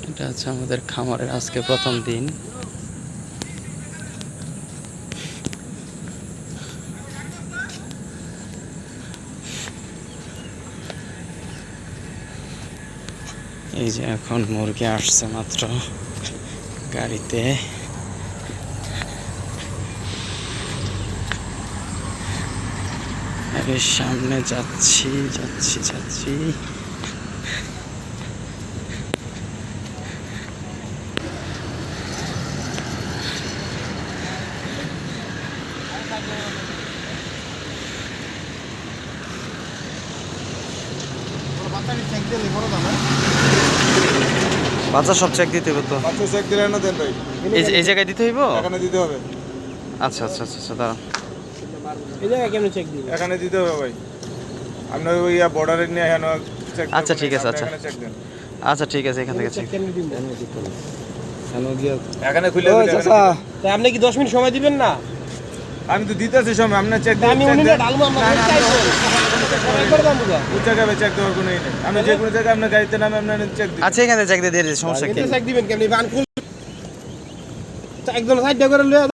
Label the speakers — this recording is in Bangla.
Speaker 1: এটা হচ্ছে আমাদের খামারের আজকে প্রথম দিন। এই যে এখন মুরগি আসছে মাত্র গাড়িতে। আরে সামনে যাচ্ছি যাচ্ছি যাচ্ছি। বাচ্চা সব চেক দিতে হবে তো?
Speaker 2: বাচ্চা চেক দিলে না দেন ভাই,
Speaker 1: এই জায়গায় দিতে হইব?
Speaker 2: এখানে দিতে হবে।
Speaker 1: আচ্ছা আচ্ছা আচ্ছা আচ্ছা, দাঁড়ান।
Speaker 3: এই জায়গায় কেমন চেক দিবেন?
Speaker 2: এখানে দিতে হবে ভাই, আপনার ওই বর্ডারে নিয়ে এখানে চেক।
Speaker 1: আচ্ছা ঠিক আছে, আচ্ছা
Speaker 2: এখানে চেক দেন।
Speaker 1: আচ্ছা ঠিক আছে, এখান থেকে
Speaker 3: চেক
Speaker 1: check।
Speaker 3: কেমনে দিবেন?
Speaker 2: এখানে খুলে
Speaker 3: ও
Speaker 2: দিলে
Speaker 3: চাচা, তাই আপনি কি 10 মিনিট সময় দিবেন না?
Speaker 2: আমি তো দিতেছি সময়, আপনার চেক
Speaker 3: তা আমি উনিনে ঢালবো, আমরা চাইবো একবার দাম বুঝা।
Speaker 2: কোন জায়গায় চেক দেওয়ার কোনো ই নেই। আমি যে কোনো জায়গায় আপনার গাড়িতে নামে আপনার চেক দিই।
Speaker 1: আচ্ছা এখানে চেক দিয়ে দিই, সমস্যা কি?
Speaker 3: চেক দিবেন কেমনে? বান খুল একদম সাইড করে লয়ে